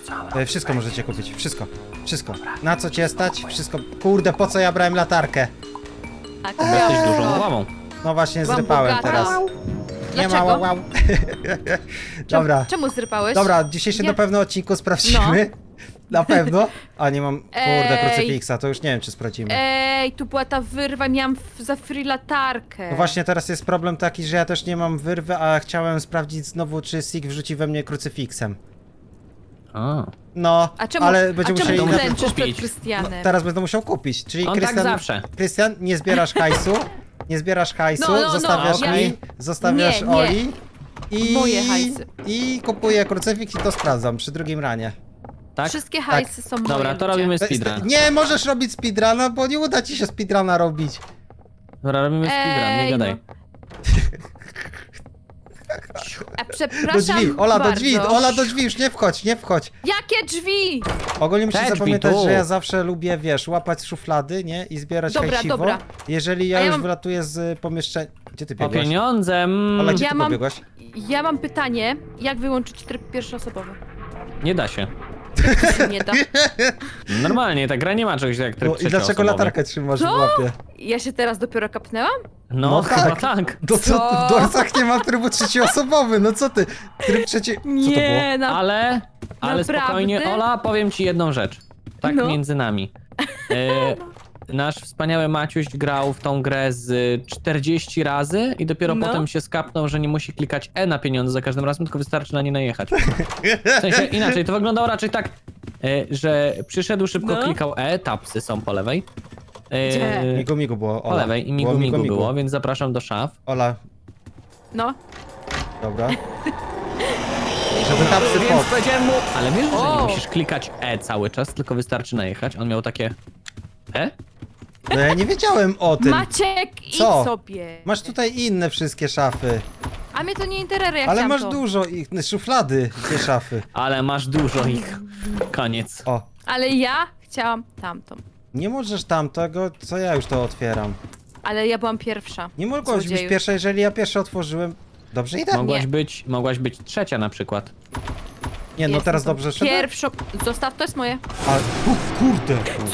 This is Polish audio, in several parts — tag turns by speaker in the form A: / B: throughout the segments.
A: Wszystko możecie kupić, wszystko. Wszystko. Na co cię stać? Wszystko. Kurde, po co ja brałem latarkę?
B: Tak,
C: Jesteś dużą łamą.
A: No właśnie,
B: Byłam
A: zrypałem
B: bogata.
A: teraz. Nie ma
B: Dlaczego?
A: wow. Dobra.
B: Czemu zrypałeś?
A: Dobra, w dzisiejszym na pewno odcinku sprawdzimy. Na pewno. A nie mam, kurde,
B: Ej.
A: krucyfiksa, to już nie wiem, czy sprawdzimy.
B: Ej, tu była ta wyrwa, miałam za free latarkę.
A: No właśnie, teraz jest problem taki, że ja też nie mam wyrwy, a chciałem sprawdzić znowu, czy Sig wrzuci we mnie krucyfiksem.
C: A.
A: No,
B: A czemu,
A: ale będziemy
B: czemu
A: musieli...
C: musieli
B: klęczysz przed
C: kupić.
B: Krystianem?
A: Teraz będę musiał kupić, czyli
C: On tak
A: Krystian...
C: zawsze.
A: Krystian, nie zbierasz hajsu, nie zbierasz hajsu,
B: No,
A: zostawiasz
C: ja-
A: mi, zostawiasz
B: Nie, nie.
A: Oli i...
B: Moje hajsy.
A: I kupuję krucyfiks i to sprawdzam przy drugim ranie.
C: Tak?
B: Wszystkie hajsy są moje.
C: Dobra, to
B: ludzie.
C: robimy speedrun.
A: Nie możesz robić speedruna, bo nie uda ci się speedruna robić.
C: Dobra, robimy speedrun, nie
B: Ej,
C: gadaj.
B: A
A: Do
B: przepraszam
A: drzwi, Ola do
B: bardzo.
A: drzwi, Ola do drzwi, już nie wchodź, nie wchodź.
B: Jakie drzwi?
A: Ogólnie
C: Te
A: musisz
C: drzwi
A: zapamiętać,
C: tu.
A: że ja zawsze lubię, wiesz, łapać szuflady, nie? I zbierać
B: Dobra,
A: hajsiwo.
B: dobra.
A: Jeżeli ja
B: A ja
A: już
B: mam-
A: wylatuję z pomieszczenia... Gdzie ty
C: Po
A: biegłaś?
C: pieniądze.
A: Ola, gdzie
B: Ja
A: ty
B: mam-
A: pobiegłaś?
B: Ja mam pytanie, jak wyłączyć tryb pierwszoosobowy?
C: Nie da się.
B: To się nie da.
C: Normalnie, ta gra nie ma czegoś jak tryb
A: No, i dlaczego
C: trzecioosobowy.
A: latarkę trzymasz w
B: Co?
A: łapie?
B: Ja się teraz dopiero kapnęłam?
C: No,
A: No
C: chyba
A: tak.
C: tak.
A: To co?
B: Co?
A: W Dorsach nie ma trybu trzecioosobowy, no co ty? Tryb trzeci... Co to było?
B: Nie,
C: Ale
B: Naprawdę?
C: spokojnie, Ola, powiem ci jedną rzecz. Tak
B: No.
C: między nami. Nasz wspaniały Maciuś grał w tą grę z 40 razy i dopiero
B: No.
C: potem się skapnął, że nie musi klikać E na pieniądze za każdym razem, tylko wystarczy na nie najechać. W sensie inaczej, to wyglądało raczej tak, że przyszedł, szybko
B: No.
C: klikał E, tapsy są po lewej.
B: Gdzie?
A: Migu migu było,
C: Po
A: Ola.
C: lewej i
A: Było
C: migu było, więc zapraszam do szaf.
A: Ola,
B: No.
A: dobra. Żeby tapsy
C: Więc
A: pod...
C: powiedziałem mu, ale wiesz, że nie
B: O.
C: musisz klikać E cały czas, tylko wystarczy najechać. On miał takie E?
A: No ja nie wiedziałem o tym.
B: Maciek, idź
A: Co?
B: sobie.
A: Masz tutaj inne wszystkie szafy.
B: A mnie to nie interesuje, jak
A: Ale
B: chciałam
A: masz
B: to.
A: dużo ich, szuflady, te szafy.
C: Ale masz dużo ich. Koniec.
A: O,
B: Ale ja chciałam tamtą.
A: nie możesz tamtego, co ja już to otwieram.
B: Ale ja byłam pierwsza.
A: Nie mogłaś być
B: Złodzieju.
A: pierwsza, jeżeli ja pierwszy otworzyłem. Dobrze idę?
C: Mogłaś być trzecia na przykład.
A: Nie, no
B: Jestem
A: teraz
B: tą
A: dobrze szedłem?
B: Pierwszą. Zostaw, to jest moje.
A: Ale, kurde.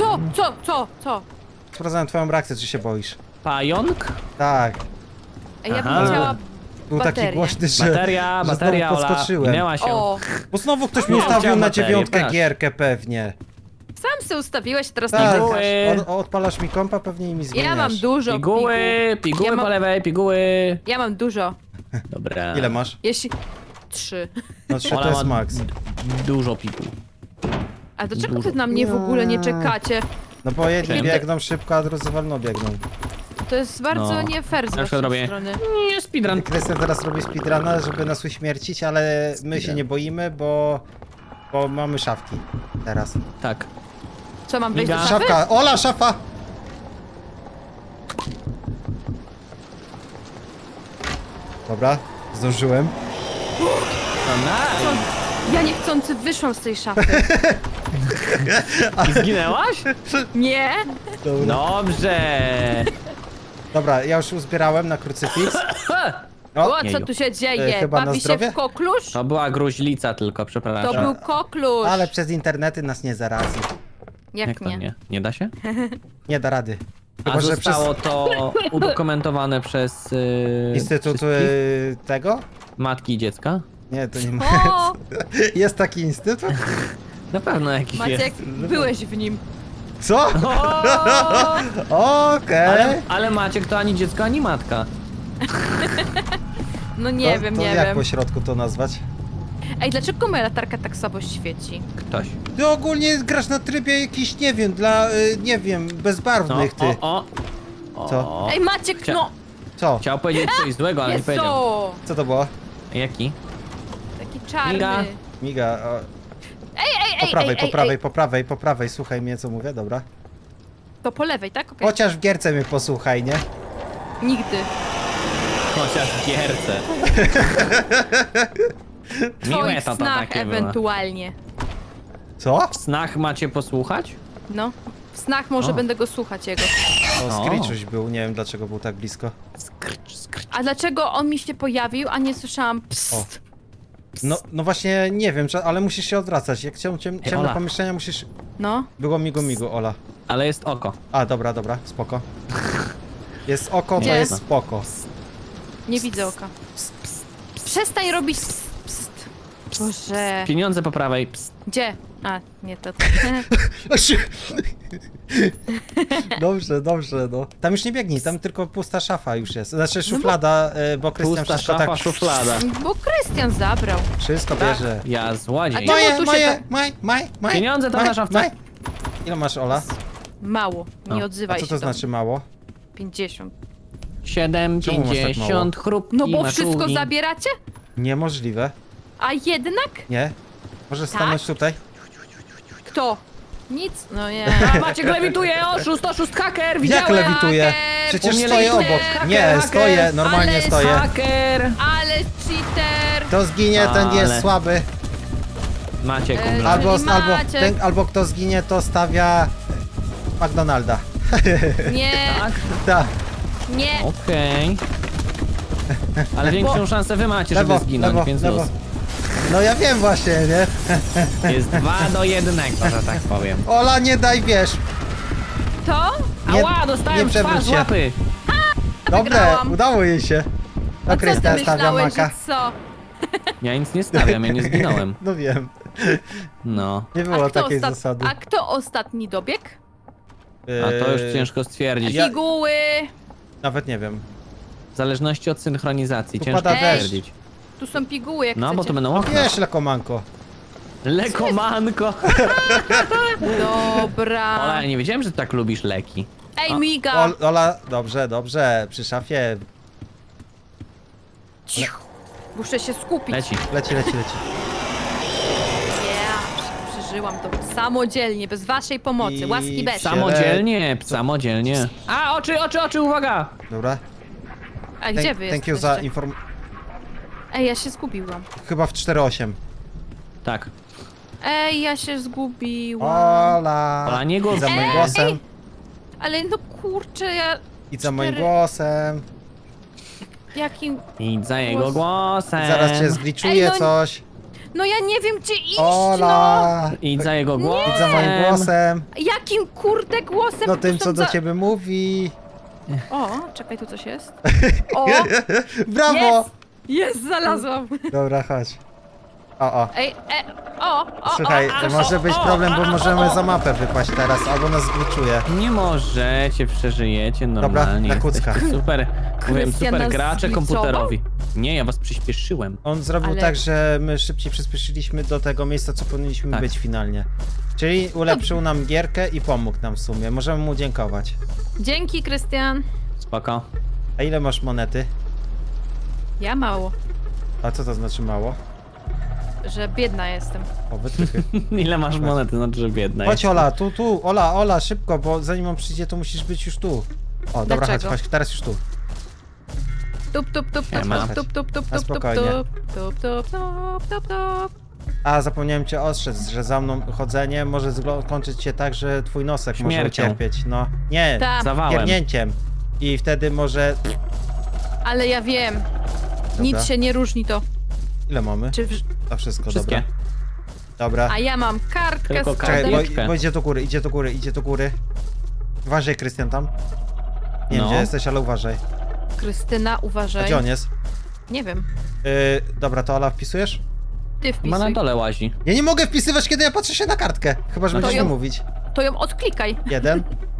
B: Co?
A: Sprawdzałem twoją reakcję, czy się boisz.
C: Pająk?
A: Tak,
B: A ja
C: Aha.
B: bym chciała
A: był taki
B: Bateria.
A: głośny, że...
C: Bateria,
A: że
C: bateria,
A: znowu
C: Ola.
A: podskoczyłem.
C: Minęła się.
B: O,
A: Bo znowu ktoś mi
C: No,
A: ustawił
C: chciałem
A: na
C: baterię,
A: 9
C: patrz.
A: gierkę pewnie.
B: sam se ustawiłeś, teraz
A: Tak,
B: nie
C: Piguły.
B: wygrasz.
A: Odpalasz mi kompa, pewnie i mi zmieniasz.
B: Ja mam dużo
C: Piguły,
B: piguł.
C: piguły
B: Ja mam-
C: po lewej, piguły.
B: Ja mam dużo.
C: Dobra.
A: Ile masz?
B: Jeśli... 3.
A: No 3
C: Ola
A: to jest
C: ma
A: max.
C: Dużo piguł.
B: A dlaczego
C: Dużo.
B: wy na mnie w ogóle nie czekacie?
A: No bo jedni
C: Czemu?
A: biegną szybko, a drudzy wolno biegną.
B: To jest bardzo
C: No.
B: nie fair z
C: Na przykład
B: waszej
C: robię-
B: strony.
C: Nie, speedrun.
A: Krystian teraz robi speedruna, żeby nas uśmiercić, ale my się nie boimy, bo mamy szafki teraz.
C: Tak.
B: Co, mam wejść do
C: Miga.
B: szafy?
A: Szafka! Ola, szafa! Dobra, zdążyłem.
C: No nice.
B: Ja niechcący wyszłam z tej szafy.
C: I zginęłaś?
B: Nie?
A: Dobra.
C: Dobrze.
A: Dobra, ja już uzbierałem na krucyfiks.
B: O,
A: O,
B: co
C: Jeju.
B: tu się dzieje?
A: Chyba na
B: Bawi się
A: zdrowie?
B: w koklusz?
C: To była gruźlica tylko,
B: To
C: przepraszam.
B: był koklusz.
A: ale przez internety nas nie zarazi.
B: Jak
C: to
B: nie?
C: nie? Nie da się?
A: Nie da rady.
C: A
A: Chyba, że przez
C: zostało to udokumentowane przez
A: instytut
C: wszystkich
A: tego?
C: matki i dziecka?
A: Nie, to nie ma.
B: O,
A: Jest taki instytut?
C: Na pewno jakiś
B: Maciek,
C: jest.
B: byłeś w nim.
A: Co?
B: O,
A: Okej.
C: Ale Maciek to ani dziecko, ani matka.
B: no nie
A: To-
B: wiem,
A: to
B: nie
A: jak
B: wiem.
A: po środku to nazwać?
B: Ej, dlaczego moja latarka tak słabo świeci?
C: Ktoś.
A: Ty ogólnie grasz na trybie jakiś, nie wiem, dla, nie wiem, bezbarwnych ty.
C: o.
A: Co?
B: Ej, Maciek,
C: Chcia-
B: no!
A: Co?
C: Chciał powiedzieć coś złego, ale nie
B: Jest
C: powiedział.
B: to!
A: Co to było?
C: Jaki?
B: Taki czarny.
C: Miga.
A: Miga, o,
B: Ej,
A: po prawej,
B: ej,
A: po
B: ej,
A: prawej,
B: ej.
A: po prawej, po prawej, słuchaj mnie co mówię, dobra.
B: To po lewej, tak? Okej.
A: Chociaż w gierce mnie posłuchaj, nie?
B: Nigdy.
C: Chociaż w gierce.
B: W
C: Miłe
B: twoich
C: to
B: snach
C: takie było.
B: ewentualnie.
A: Co?
C: W snach macie posłuchać?
B: No. W snach może
C: O.
B: będę go słuchać jego.
A: O,
C: O.
A: Screechuś był, nie wiem dlaczego był tak blisko.
C: Skrcz, skrcz.
B: A dlaczego on mi się pojawił, a nie słyszałam psst?
A: No właśnie, nie wiem, ale musisz się odwracać. Jak ciemne
C: Ola.
A: pomieszczenia, musisz...
B: No.
A: Było migu, Ola.
C: Ale jest oko.
A: A, dobra, spoko. Jest oko, to
B: Gdzie?
A: jest spoko.
B: Nie widzę oka. Przestań robić pst, pst. Boże.
C: Pieniądze po prawej. Psst.
B: Gdzie? A, nie to.
A: Dobrze, no. Tam już nie biegnij, tam tylko pusta szafa już jest. Znaczy szuflada, bo Krystian
C: Pusta
A: wszystko
C: szafa,
A: tak...
C: szuflada.
B: Bo Krystian zabrał.
A: Wszystko bierze.
C: Ja złodziej.
B: A czemu tu się
A: Moje.
C: Pieniądze tam na szafce.
A: Ile masz, Ola?
B: Mało. Nie
C: O.
A: A
B: odzywaj
A: co
B: się
A: to
B: do
A: znaczy mało?
B: 50.
C: 7,
A: Czemu masz tak
C: 50, chrupki,
B: No bo
C: maczugi.
B: wszystko zabieracie?
A: Niemożliwe.
B: A jednak?
A: Nie? Możesz stanąć tutaj?
B: Kto? Nic? No nie.
C: A Maciek lewituje, oszust, haker,
A: Jak
C: widziałem.
A: lewituje?
B: haker!
A: Przecież
C: U mnie
A: stoję
C: lewituje.
A: obok.
C: Haker,
A: Nie,
C: haker.
A: stoję, normalnie
B: Ale
A: stoję.
C: Haker.
B: Ale cheater!
A: Kto zginie, ten jest
C: Ale.
A: słaby.
C: Maciek
B: Czyli
C: umrze.
B: Maciek.
A: Albo kto zginie, to stawia McDonalda.
B: Nie,
C: Tak?
A: Tak.
B: nie.
C: Okej. Ale większą szansę wy macie, żeby
A: Lewo,
C: zginąć,
A: lewo,
C: więc
A: lewo.
C: luz.
A: No ja wiem właśnie, nie?
C: Jest 2-1, że tak powiem.
A: Ola, nie daj, wiesz.
B: To?
A: Nie-
C: Ała,
A: nie
C: dostałem w
A: przewróć
C: twarz
A: się.
C: łapy.
A: Dobre,
B: Wygrałam.
A: udało jej się.
B: A
A: No
B: co ty
A: Krystian stawia
B: myślałeś, że
A: maka.
B: co?
C: Ja nic nie stawiam, ja nie zginąłem.
A: No wiem,
C: No.
A: nie było takiej zasady.
B: A kto ostatni dobiegł?
C: A to już ciężko stwierdzić.
A: Ja-
B: Piguły!
A: Nawet nie wiem.
C: W zależności od synchronizacji,
A: Tu
C: ciężko
A: pada
B: deszcz.
C: stwierdzić.
B: Tu są piguły, jak
C: No, bo
B: chcecie.
C: to będą okna.
A: Wiesz, lekomanko.
C: Lekomanko.
B: Dobra.
C: Ola, ja nie wiedziałem, że tak lubisz leki.
B: Ej,
C: A.
B: miga!
A: Ola, dobrze, przy szafie
B: Cicho. Muszę się skupić.
C: Leci.
A: leci.
B: Yeah, przeżyłam to samodzielnie, bez waszej pomocy.
A: I
B: Łaski bez.
C: Samodzielnie, samodzielnie. A, oczy, uwaga!
A: Dobra.
B: A gdzie wy
A: Thank you
B: jesteście?
A: za informację.
B: Ej, ja się zgubiłam.
A: Chyba w 4.8.
C: Tak.
B: Ej, ja się zgubiłam.
A: Ola,
C: nie głos
A: idź za moim
C: mnie.
A: głosem.
B: Ale no kurczę, ja...
A: Idź za moim
B: 4.
A: głosem.
B: Jakim...
C: Idź za jego głosem.
A: Zaraz cię zgliczuje
B: Ej, no-
A: coś.
B: No ja nie wiem, gdzie iść,
A: Ola!
C: Idź za jego głosem.
A: Idź za moim głosem.
B: no! Jakim kurde głosem?
A: No
B: Tu
A: tym,
B: są
A: co do ciebie mówi.
B: O, czekaj, tu coś jest. O,
A: Brawo!
B: jest! Jest, znalazłam.
A: Dobra, chodź. O.
B: Ej, o,
A: Słuchaj,
B: o,
A: to może być problem, bo możemy za mapę wypaść teraz, albo nas zgliczuje.
C: Nie możecie, przeżyjecie normalnie.
A: na kucka.
C: Jesteście super, mówiłem,
B: Krystian
C: super
B: nas
C: gracze
B: zgliczował?
C: komputerowi. Nie, ja was przyspieszyłem.
A: On zrobił
B: Ale-
A: tak, że my szybciej przyspieszyliśmy do tego miejsca, co powinniśmy
C: Tak.
A: być finalnie. Czyli ulepszył nam gierkę i pomógł nam w sumie. Możemy mu dziękować.
B: Dzięki, Krystian.
C: Spoko.
A: A ile masz monety?
B: Ja mało,
A: A co to znaczy mało?
B: że biedna jestem.
A: O, wytrychy.
C: Ile masz monety, znaczy, że biedna
A: Chodź
C: jest.
A: Ola, tu, Ola, szybko, bo zanim on przyjdzie, to musisz być już tu. O, dobra,
B: Dlaczego?
A: chodź, teraz już tu.
B: Tup, tup, tup, tup,
C: Siema.
B: tup, tup, tup, tup,
A: Na
B: tup, tup,
A: spokojnie.
B: tup, tup, tup, tup, tup.
A: A, zapomniałem cię ostrzec, że za mną chodzenie może skończyć się tak, że twój nosek może
C: Śmiercią.
A: ucierpieć. No, nie,
B: Tak,
C: Zawałem.
A: pierdnięciem. I wtedy może...
B: ale ja wiem. Nic się nie różni to.
A: Ile mamy?
B: Czy
A: To wszystko,
C: Wszystkie.
A: dobra.
B: A ja mam kartkę
C: Tylko
B: z
A: Czekaj,
B: kodem.
C: Karteczkę.
A: bo idzie do góry. Uważaj, Krystian, tam. Nie wiem,
C: No.
A: gdzie jesteś, ale uważaj.
B: Krystyna,
A: A
B: uważaj.
A: gdzie on jest?
B: Nie wiem.
A: Dobra, to Ola, wpisujesz?
B: Ty
C: Ma na
B: wpisuj.
C: dole łazi.
A: Ja nie mogę wpisywać, kiedy ja patrzę się na kartkę. Chyba, że
C: No to
A: będziesz
B: ją-
A: mi mówić.
B: To ją odklikaj.
A: 1,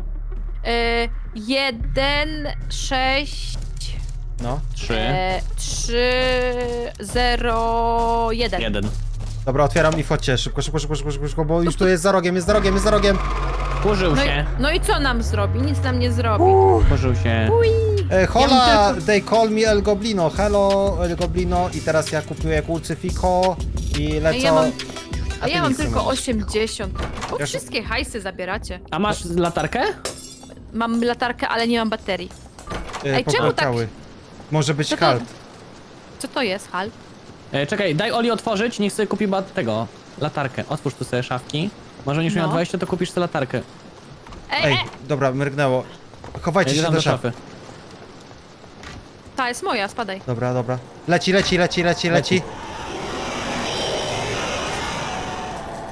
B: 1, 6,
A: no.
C: 3,
B: 3, 0, 1.
C: 1.
A: Dobra, otwieram i wchodźcie. Szybko, bo już tu jest za rogiem, jest za rogiem.
C: Kurzył
B: No i,
C: się.
B: no i co nam zrobi? Nic nam nie zrobi.
C: Kurzył się.
A: Hola,
B: Ja bym
A: they call me El Goblino. Hello, El Goblino. I teraz ja kupuję Kulcyfiko i lecę...
B: ja mam-
A: A
B: A
A: ty
B: ja mam
A: nic nie
B: tylko
A: możesz.
B: 80. Bo
A: Ja-
B: wszystkie hajsy zabieracie.
C: A masz latarkę?
B: Mam latarkę, ale nie mam baterii. Ej, czemu
A: popłakały. Może być
B: Co to-
A: halt.
B: Co to jest, Hal?
C: Czekaj, daj Oli otworzyć, niech sobie kupi tego, latarkę. Otwórz tu sobie szafki. Może niż miał
B: No.
C: 20, to kupisz sobie latarkę.
A: Ej, dobra, mrygnęło. Chowajcie
C: Idę
A: się
C: tam
A: do
C: do
A: szafy.
C: szafy.
B: Ta jest moja, spadaj.
A: Dobra. Leci.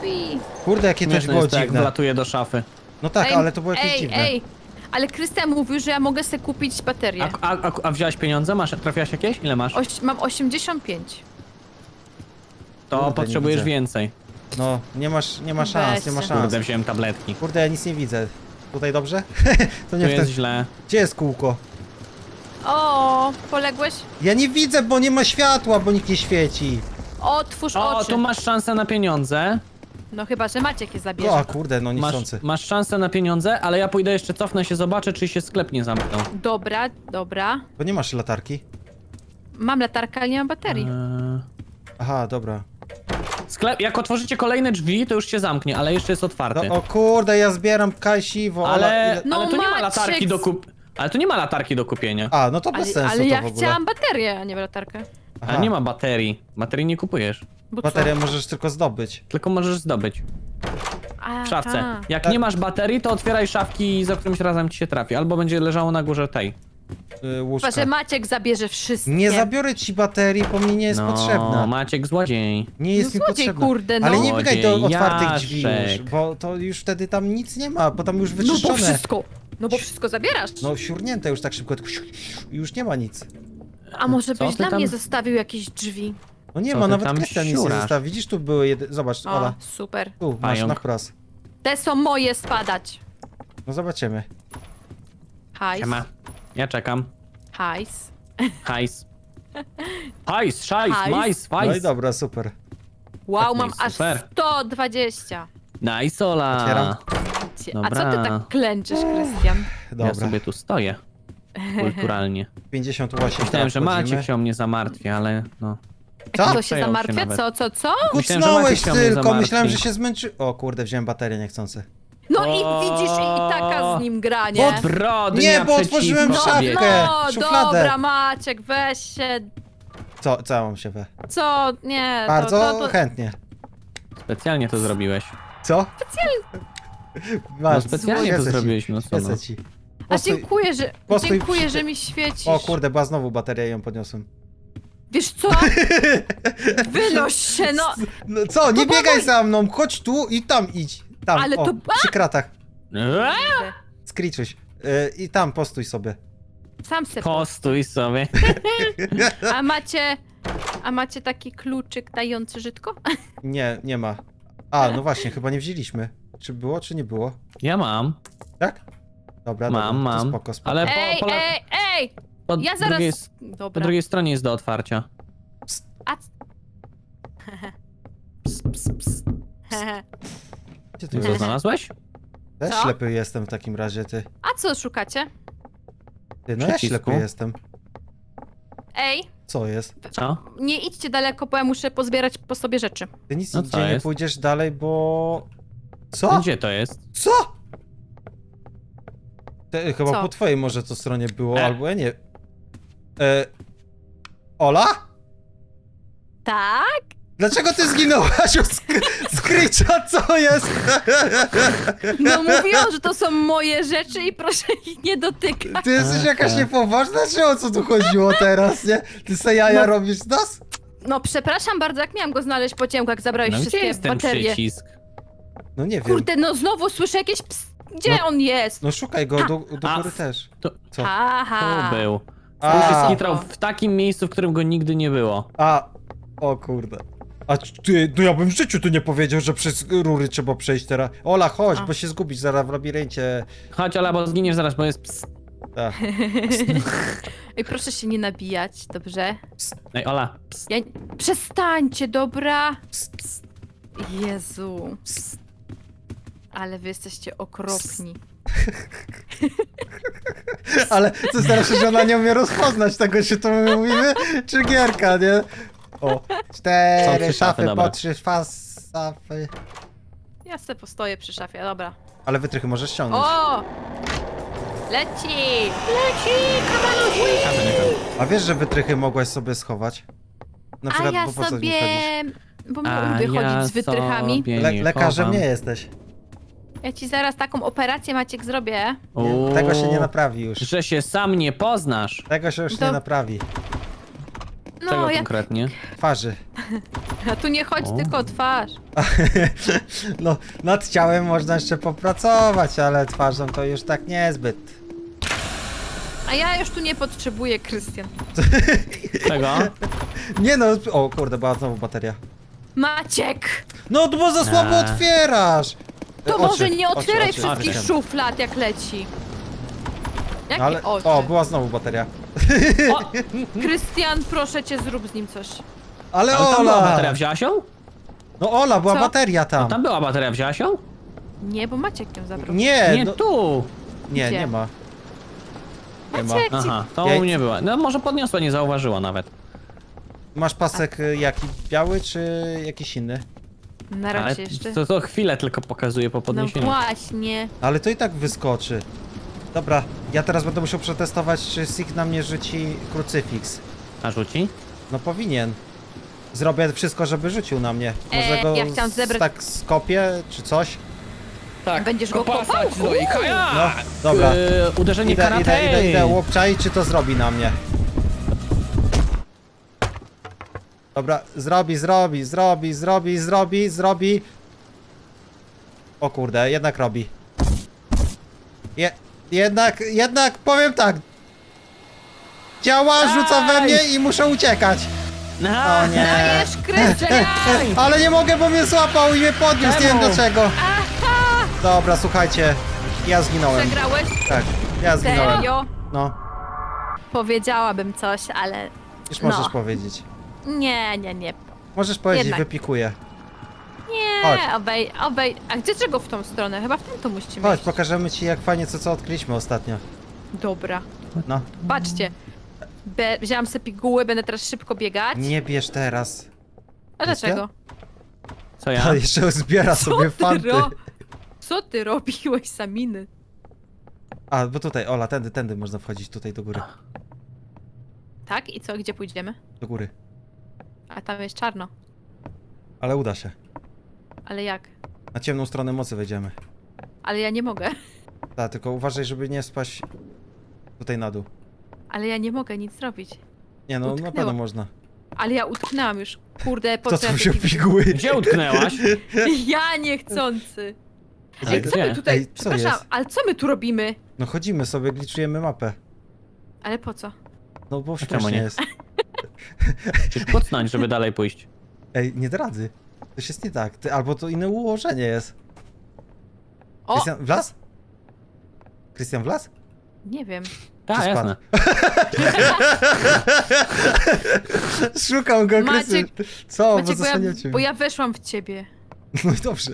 B: drzwi.
A: Kurde, jakie to
C: Śmieszne
A: było
C: jest to, jak
A: dziwne.
C: wlatuje do szafy.
A: No tak, ale to było jakieś
B: ej,
A: dziwne.
B: ej, ale Krystian mówił, że ja mogę sobie kupić baterię.
C: A wziąłeś pieniądze? Trafiłaś jakieś? Ile masz?
B: Mam 85.
C: To
A: Kurde, nie
C: potrzebujesz
A: widzę.
C: więcej.
A: No, nie ma szans, nie ma
B: Weź
A: szans.
C: Kurde, wziąłem tabletki.
A: Kurde, ja nic nie widzę. Tutaj dobrze? To
C: Tu
A: nie w
C: jest
A: ten...
C: źle.
A: Gdzie jest kółko?
B: O, poległeś?
A: Ja nie widzę, bo nie ma światła, bo nikt nie świeci.
B: Otwórz
C: O,
B: oczy.
C: tu masz szansę na pieniądze.
B: No chyba, że Maciek je zabierze.
A: O, kurde, no niechcący.
C: Masz szansę na pieniądze, ale ja pójdę jeszcze, cofnę się, zobaczę, czy się sklep nie zamknął.
B: Dobra, dobra.
A: Bo nie masz latarki.
B: Mam latarkę, ale nie mam baterii.
A: Aha, dobra.
C: Sklep, jak otworzycie kolejne drzwi, to już się zamknie, ale jeszcze jest otwarty.
A: No, o kurde, ja zbieram kasiwo,
C: ale
B: No,
C: ale tu nie ma
B: Maciek,
C: latarki do Ale tu nie ma latarki do kupienia.
A: A, no to bez sensu
B: Ale
A: to
B: ja
A: w ogóle.
B: chciałam baterię, a nie latarkę.
A: Aha,
C: Ale nie ma baterii. Baterii nie kupujesz.
B: Bo co?
A: baterię możesz tylko zdobyć.
C: Tylko możesz zdobyć
B: A,
C: w szafce.
B: a.
C: Jak
A: Tak.
C: nie masz baterii, to otwieraj szafki i za którymś razem ci się trafi. Albo będzie leżało na górze tej.
A: Łóżka.
B: Chyba, że Maciek zabierze wszystkie.
A: Nie zabiorę ci baterii, bo mi nie jest
C: No,
A: potrzebna.
C: Maciek złodziej.
A: Nie jest
B: No
A: mi
B: złodziej,
A: potrzebna.
B: kurde, no.
A: Ale nie biegaj do
C: Złodziejaszek.
A: otwartych drzwi już, bo to już wtedy tam nic nie ma, bo tam już
B: No bo
A: wyczyszczone.
B: wszystko. No bo wszystko zabierasz.
A: No siurnięte już tak szybko, tylko już nie ma nic.
B: A może
C: Co
B: byś
C: ty
B: dla
C: tam-
B: mnie zostawił jakieś drzwi?
A: No nie
C: Co
A: ma,
C: ty
A: nawet
C: tam
A: Krystian nic nie
C: siurasz?
A: zostawił. Widzisz, tu były zobacz,
B: O,
A: Ola,
B: super.
A: tu masz
C: Pająk.
A: na wprost.
B: Te są moje spadać.
A: No zobaczymy.
B: Hajs.
C: Siema. Ja czekam.
B: Hajs.
C: Hajs. Hajs, szajs,
B: Hajs.
C: majs,
A: No i
C: fajs.
A: dobra, super.
B: Wow,
C: No
B: mam
C: i
B: aż
C: super.
B: 120.
C: Nice, Ola.
A: Otwieram.
B: A co ty
C: Dobra.
B: tak klęczysz, Krystian?
A: Dobra,
C: Ja sobie tu stoję. Kulturalnie.
A: 58
C: Myślałem, że
A: wchodzimy.
C: Maciek się o mnie zamartwi, ale no.
A: Co?
B: Kto się
C: Przejął się
B: zamartwia?
C: nawet.
B: Co?
C: Myślałem, że
A: Kucnąłeś
C: Maciek się o mnie
A: tylko,
C: zamartwi.
A: myślałem, że się zmęczy... O kurde, wziąłem baterię niechcący.
B: No
C: O!
B: i widzisz, i taka z nim gra, nie?
C: Zbrodnia
A: Nie, bo otworzyłem
C: przeciwko
A: szafkę.
C: tobie.
B: No,
A: szufladę.
B: dobra, Maciek, weź się.
A: Co ja mam się we?
B: Co? Nie,
A: Bardzo
B: to...
A: chętnie.
C: Specjalnie to zrobiłeś.
A: Co?
C: No
A: Masz,
C: specjalnie to
A: świecę ci,
C: zrobiłeś, no co no.
A: świecę ci.
B: A
A: Postój- postój
B: dziękuję,
A: przy-
B: że mi świecisz.
A: O kurde, była znowu bateria i ją podniosłem.
B: Wiesz co? Wynoś się, no.
A: No co, nie biegaj za mną, chodź tu i tam idź. Tam,
B: Ale
A: o,
B: to-
A: przy kratach.
C: Eee,
A: Skriczuś. I tam postój sobie.
B: Sam se
C: Postój sobie.
B: A macie taki kluczyk dający żytko?
A: Nie, nie ma. A, no właśnie, chyba nie wzięliśmy. Czy było, czy nie było?
C: Ja mam.
A: Tak? Dobra,
C: Mam,
A: dobra, to
C: mam.
A: spoko, spoko.
C: Ale
B: Ej,
C: po,
B: ej!
C: po,
B: Ja zaraz...
C: drugiej, po
B: Dobra.
C: drugiej stronie jest do otwarcia.
B: A...
A: Gdzie ty
C: Co,
A: jest?
C: znalazłeś?
A: Też
B: Co?
A: ślepy jestem w takim razie, ty.
B: A co szukacie?
A: Ty, no ja
C: Przycisku.
A: ślepy jestem.
B: Ej,
A: Co jest?
C: Co?
B: nie idźcie daleko, bo ja muszę pozbierać po sobie rzeczy.
A: Ty nic
C: No
A: nigdzie
C: co
A: nie
C: jest?
A: pójdziesz dalej, bo... Co?
C: Gdzie to jest?
A: Co? Chyba
B: Co?
A: po twojej może to stronie było, albo ja nie... Ola?
B: Tak?
A: Dlaczego ty zginęłaś od Screecha? Co jest?
B: No mówiłam, że to są moje rzeczy i proszę ich nie dotykać.
A: Ty jesteś
C: Aha.
A: jakaś niepoważna, czy o co tu chodziło teraz, nie? Ty se jaja
B: No.
A: robisz z nas?
B: No przepraszam bardzo, jak miałam go znaleźć po ciemku, jak zabrałeś
C: No gdzie
B: wszystkie
C: jest ten
B: baterie.
C: przycisk?
A: No nie wiem.
B: Kurde, no znowu słyszę jakieś Gdzie on jest?
A: No szukaj go, do
C: A,
A: góry też.
C: To,
A: Co?
B: Aha.
C: tu był.
A: A,
C: Skitrał w takim miejscu, w którym go nigdy nie było.
A: o kurde. A ty, no ja bym w życiu tu nie powiedział, że przez rury trzeba przejść teraz. Ola, chodź,
B: A.
A: bo się zgubisz zaraz w labiryncie.
C: Chodź, Ola, bo zginiesz zaraz, bo jest ps.
A: Tak.
B: Ej, proszę się nie nabijać, dobrze?
C: Ej, Ola, ps.
B: Ja... Przestańcie, dobra?
A: Psst, psst,
B: Jezu.
A: psst.
B: Ale wy jesteście okropni.
A: Ale to starsze, że ona nie umie rozpoznać tego, czy to my mówimy, czy gierka, nie? O,
C: Są
A: 4
C: trzy szafy,
A: szafy,
C: dobra.
A: po 3 szafy.
B: Ja sobie postoję przy szafie, dobra.
A: Ale wytrychy możesz ściągnąć.
B: O! Leci! Leci! Kamalu,
C: A, to nie ten.
A: A wiesz, że wytrychy mogłaś sobie schować? Na
B: A
A: przykład,
B: ja
A: bo po co
B: sobie...
A: nie chodzisz?
B: Bo
C: A
B: lubię chodzić
C: ja
B: z wytrychami.
C: sobie
A: Lekarzem
C: chowam.
A: nie jesteś.
B: Ja ci zaraz taką operację, Maciek, zrobię.
A: Nie, tego się nie
C: Uuu,
A: naprawi już.
C: Że się sam nie poznasz.
A: Tego się już
B: To-
A: nie naprawi.
C: Czego
B: No, ja...
C: konkretnie?
A: Twarzy.
B: A tu nie chodź,
C: O.
B: tylko o twarz.
A: No, nad ciałem można jeszcze popracować, ale twarzą to już tak niezbyt.
B: A ja już tu nie potrzebuję, Krystian.
C: Czego?
A: Nie no, o kurde, była znowu bateria.
B: Maciek!
A: No, bo za słabo otwierasz!
B: To
A: Oczy,
B: może nie
A: oczy,
B: otwieraj
A: oczy,
B: wszystkich
A: oczy.
B: szuflad, jak leci. Jakie
A: Ale,
B: oczy?
A: o, była znowu bateria.
B: O, Krystian, proszę cię, zrób z nim coś.
A: Ale
C: Ale tam była
A: Ola!
C: bateria, wzięłaś ją?
A: No Ola, była
B: Co?
A: bateria tam.
C: No tam była bateria, wzięłaś ją?
B: Nie, bo Maciek ją zabrał.
A: Nie,
C: Nie,
A: no,
C: tu!
A: nie,
B: Gdzie?
A: nie ma. Nie ma.
B: Maciek,
C: Aha, to
A: Ja-
C: u mnie była. No może podniosła, nie zauważyła nawet.
A: Masz pasek jaki? Biały czy jakiś inny?
B: na
C: Ale
B: razie jeszcze.
C: to chwilę tylko pokazuje po
B: No
C: podniesieniu.
B: właśnie.
A: Ale to i tak wyskoczy. Dobra, ja teraz będę musiał przetestować, czy Sig na mnie rzuci krucyfiks.
C: A rzuci?
A: No powinien. Zrobię wszystko, żeby rzucił na mnie. Może go
B: ja chciałam zebrać-
A: tak skopię, czy coś?
C: Tak.
B: Będziesz go kopał?
A: No, dobra.
C: Uderzenie
A: Idę,
C: karate!
A: idę, łopczaj, czy to zrobi na mnie. Dobra, zrobi. O kurde, jednak robi. Jednak, powiem tak. Działa, rzuca we mnie i muszę uciekać. O nie.
B: Dajesz, Krystian!
A: Ale nie mogę, bo mnie złapał i mnie podniósł, nie wiem
C: Czemu?
A: dlaczego.
B: Aha!
A: Dobra, słuchajcie. Ja zginąłem.
B: Przegrałeś?
A: Tak, ja zginąłem.
B: Serio?
A: No,
B: Powiedziałabym coś, ale...
A: już możesz
B: No.
A: powiedzieć.
B: Nie.
A: Możesz powiedzieć,
B: Jednak.
A: wypikuję.
B: Nie,
A: Chodź.
B: obej. A gdzie czego w tą stronę? Chyba w tamtą musimy
A: Chodź,
B: iść.
A: pokażemy ci jak fajnie co odkryliśmy ostatnio.
B: Dobra.
A: No,
B: Patrzcie. Wzięłam sobie piguły, będę teraz szybko biegać.
A: nie bierz teraz.
B: A dlaczego?
C: Co ja?
A: A jeszcze zbiera sobie fanty.
B: Co ty robiłeś, Saminy?
A: A, bo tutaj, Ola, tędy można wchodzić, tutaj do góry.
B: Tak? I co? Gdzie pójdziemy?
A: Do góry.
B: A tam jest czarno.
A: Ale uda się.
B: Ale jak?
A: Na ciemną stronę mocy wejdziemy.
B: Ale ja nie mogę.
A: Tak, tylko uważaj, żeby nie spaść tutaj na dół.
B: Ale ja nie mogę nic zrobić.
A: Nie no, na
B: Utknęła.
A: pewno można.
B: Ale ja utknęłam już. Kurde, po
A: To
B: co ja
A: tu
B: te
A: się
B: piguły?
A: piguły.
C: Gdzie utknęłaś?
B: Ja niechcący.
C: Gdzie?
B: Ej, co my tutaj...
A: Ej, co
B: Przepraszam,
A: jest?
B: ale co my tu robimy?
A: No chodzimy sobie, gliczujemy mapę.
B: Ale po co?
A: No bo
C: czemu
A: śmiesznie
C: nie?
A: jest.
C: Czy kucnąć, żeby dalej pójść?
A: Ej, nie dradzę. Coś jest nie tak. Albo to inne ułożenie jest.
B: O!
A: Krystian, wlazł? Krystian wlazł?
B: Nie wiem.
C: Tak,
A: Czy
C: jasne.
A: Szukam go,
B: Maciek-
A: Krystian. Co? Bo
B: Maciek,
A: zasłaniam cię.
B: bo ja weszłam w ciebie.
A: No i dobrze.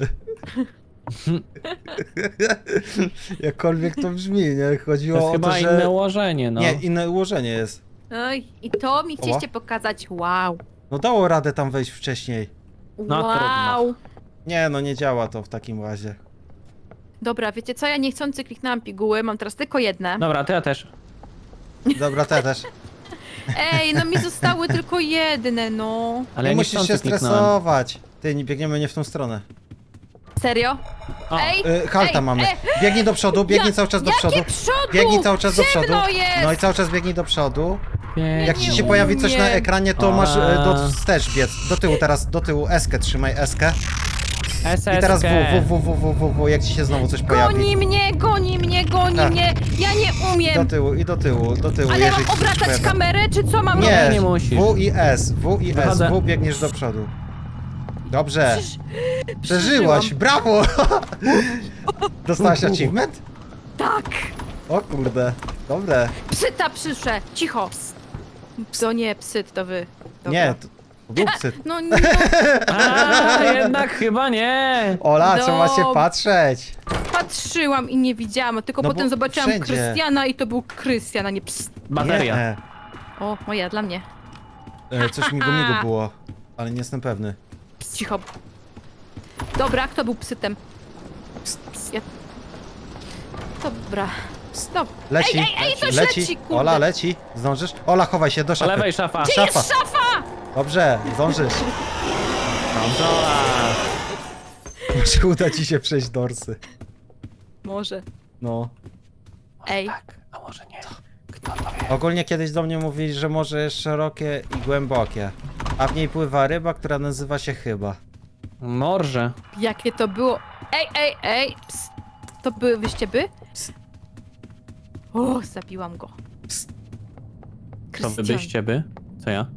A: Jakkolwiek to brzmi, nie?
C: To
A: Chodziło
C: jest
A: o
C: chyba
A: to, że...
C: inne ułożenie, no.
A: Nie, inne ułożenie jest.
B: Oj, i to mi chcieliście pokazać. Wow.
A: No dało radę tam wejść wcześniej.
C: No,
B: Wow.
A: Nie, no nie działa to w takim razie.
B: Dobra, wiecie co? Ja niechcący kliknęłam piguły, mam teraz tylko jedne.
C: Dobra, to ja też.
A: Dobra, te też.
B: Ej, no mi zostały tylko jedne, no.
C: Ale
A: Nie
C: ja
A: musisz się
C: niechcący kliknąłem.
A: stresować. Ty, nie biegniemy nie w tą stronę.
B: Serio?
C: O,
B: Ej,
A: Halta
B: ej,
A: mamy. Biegnij do przodu, biegnij cały czas do przodu.
B: Jakie przodu?
A: Biegnij cały czas do przodu.
B: Ciemno jest!
A: No i cały czas biegnij do przodu. Jak ci
B: nie
A: się pojawi coś na
B: umiem.
A: ekranie, to
C: A.
A: masz do wstecz biec. Do tyłu teraz, do tyłu eskę, trzymaj eskę.
C: SSK.
A: I teraz w, jak ci się znowu coś pojawi.
B: Goni mnie,
A: Tak.
B: mnie. Ja nie
A: Do
B: umiem.
A: tyłu i do tyłu,
B: Ale
A: jeżeli
B: mam
A: ci coś
B: obracać
A: pojawi.
B: kamerę, czy co mam
A: Nie,
B: robić?
C: nie musisz.
A: W i S,
C: Wychodzę.
A: W biegniesz do przodu. Dobrze.
B: Przecież-
A: Przeżyłaś, brawo! Dostałaś achievement?
B: Tak.
A: O kurde, dobre.
B: Psyta przyszłe. Cicho. Ps. To nie psyt, to wy. Dobra.
A: Nie, to był psy.
B: No nie.
C: A, jednak chyba nie.
A: Ola, trzeba się
B: Dob-
A: patrzeć.
B: Patrzyłam i nie widziałam, tylko
A: No bo
B: potem zobaczyłam
A: wszędzie.
B: Krystiana i to był Krystian, a nie ps.
C: Bateria.
A: Nie.
B: O, moja, dla mnie.
A: Coś migu było, ale nie jestem pewny.
B: Ps, cicho. Dobra, kto był psytem? Ja... Dobra. Dobra.
A: Leci,
B: Ej, coś leci, kurde.
A: Ola, leci. Zdążysz? Ola, chowaj się do
C: Po
A: szafy.
C: lewej szafa.
B: Gdzie
A: Szafa.
B: jest szafa?
A: Dobrze, zdążysz.
C: Kontrola.
A: Może uda ci się przejść dorsy.
B: Może.
A: No.
B: Ej.
C: Tak, a może nie. Kto to wie?
A: Ogólnie kiedyś do mnie mówili, że może jest szerokie i głębokie. A w niej pływa ryba, która nazywa się chyba.
C: Morze.
B: Jakie to było? Ej! Psst. To były wyścieby?
A: Psst.
B: O, zabiłam go.
A: Psst.
C: To wy
B: Krystian,
C: byście by? Co ja?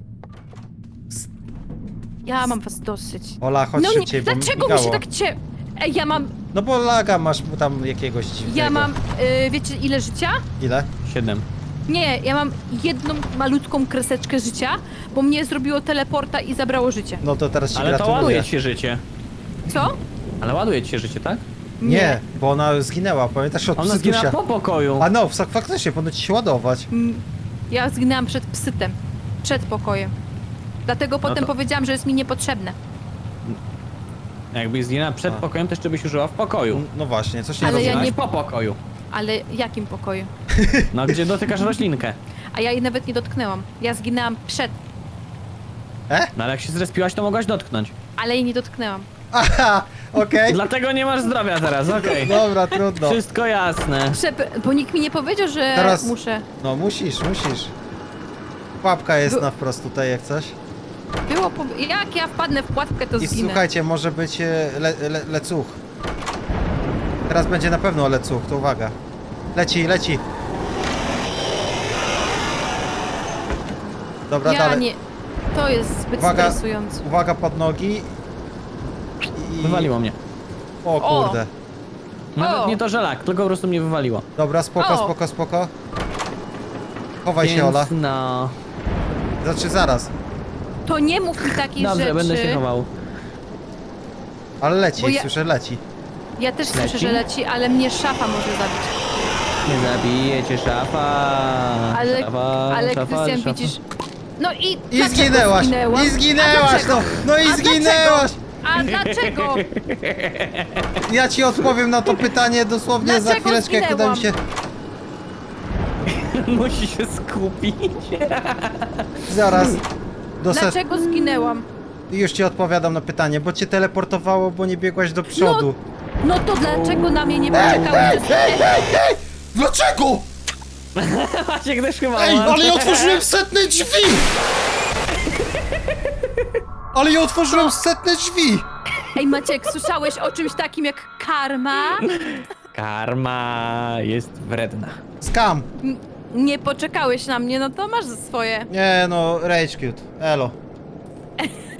B: ja mam was dosyć.
A: Ola, chodź
B: No nie,
A: szybciej, bo
B: dlaczego mi
A: migało.
B: się tak Ej, ja mam,
A: No bo laga masz tam jakiegoś dziwnego.
B: ja mam, wiecie ile życia?
A: Ile?
C: 7.
B: Nie, ja mam jedną malutką kreseczkę życia, bo mnie zrobiło teleporta i zabrało życie.
A: No to teraz ci
C: Ale to
A: gratuluję.
C: ładuje ci się życie.
B: Co?
C: Ale ładuje ci się życie, tak?
A: Nie, bo ona zginęła, pamiętasz od
C: Ona zginęła
A: psytusia?
C: po pokoju.
A: A no, faktycznie, powinno ci się ładować.
B: Ja zginęłam przed psytem. Przed pokojem. Dlatego potem
C: to-
B: powiedziałam, że jest mi niepotrzebne.
C: Jakbyś zginęła przed
A: A.
C: pokojem, to jeszcze byś użyła w pokoju.
A: No właśnie, coś nie
B: Ale ja
A: rozumiem.
B: nie-
C: po pokoju.
B: Ale jakim pokoju?
C: No gdzie dotykasz roślinkę.
B: A ja jej nawet nie dotknęłam. Ja zginęłam przed,
C: No ale jak się zrespiłaś, to mogłaś dotknąć.
B: ale jej nie dotknęłam.
A: Aha, okej.
C: Dlatego nie masz zdrowia teraz, okej.
A: Dobra, trudno.
C: Wszystko jasne.
B: Bo nikt mi nie powiedział, że
A: Teraz-
B: muszę.
A: No musisz. Pułapka jest
B: Bo-
A: na wprost tutaj jak coś.
B: Jak ja wpadnę w płatkę, to
A: I
B: zginę.
A: słuchajcie, może być lecuch. Teraz będzie na pewno lecuch, to uwaga. Leci. Dobra,
B: Ja
A: dalej.
B: nie. To jest zbyt
A: Uwaga.
B: stresujące.
A: Uwaga pod nogi. I...
C: Wywaliło mnie.
A: O
B: O.
A: kurde.
C: Nawet
B: O.
C: nie to, że lak, tylko po prostu mnie wywaliło.
A: Dobra, spoko. Chowaj się, Ola.
C: Więc no...
A: Znaczy zaraz.
B: To nie mów mi takich
C: Dobrze,
B: rzeczy.
C: będę się chował.
A: Ale leci,
B: Bo ja-
A: słyszę, leci.
B: Ja też słyszę,
C: Leci?
B: że leci, ale mnie szafa może zabić.
C: Nie zabijecie szafa.
B: Ale
C: szafa,
B: Krystian,
C: szafa.
B: widzisz. No i.
A: I
B: dlaczego
A: zginęłaś!
B: zginęłam?
A: I zginęłaś!
B: A dlaczego?
A: No i
B: A
A: zginęłaś!
B: A dlaczego?
A: Ja ci odpowiem na to pytanie dosłownie za
B: Dlaczego
A: chwileczkę, jak uda mi się.
C: Musi się skupić.
A: Zaraz.
B: Dlaczego zginęłam?
A: Już ci odpowiadam na pytanie, bo cię teleportowało, bo nie biegłaś do przodu.
B: No to dlaczego na mnie nie poczekały?
A: Dlaczego?
C: Maciek też chyba
A: Ej,
C: ma.
A: ale ja otworzyłem setne drzwi! Ale ja otworzyłem setne drzwi!
B: Ej Maciek, słyszałeś o czymś takim jak karma?
C: Karma jest wredna.
A: Skam!
B: Nie poczekałeś na mnie, no to masz swoje.
A: Nie no, rage cute. Elo.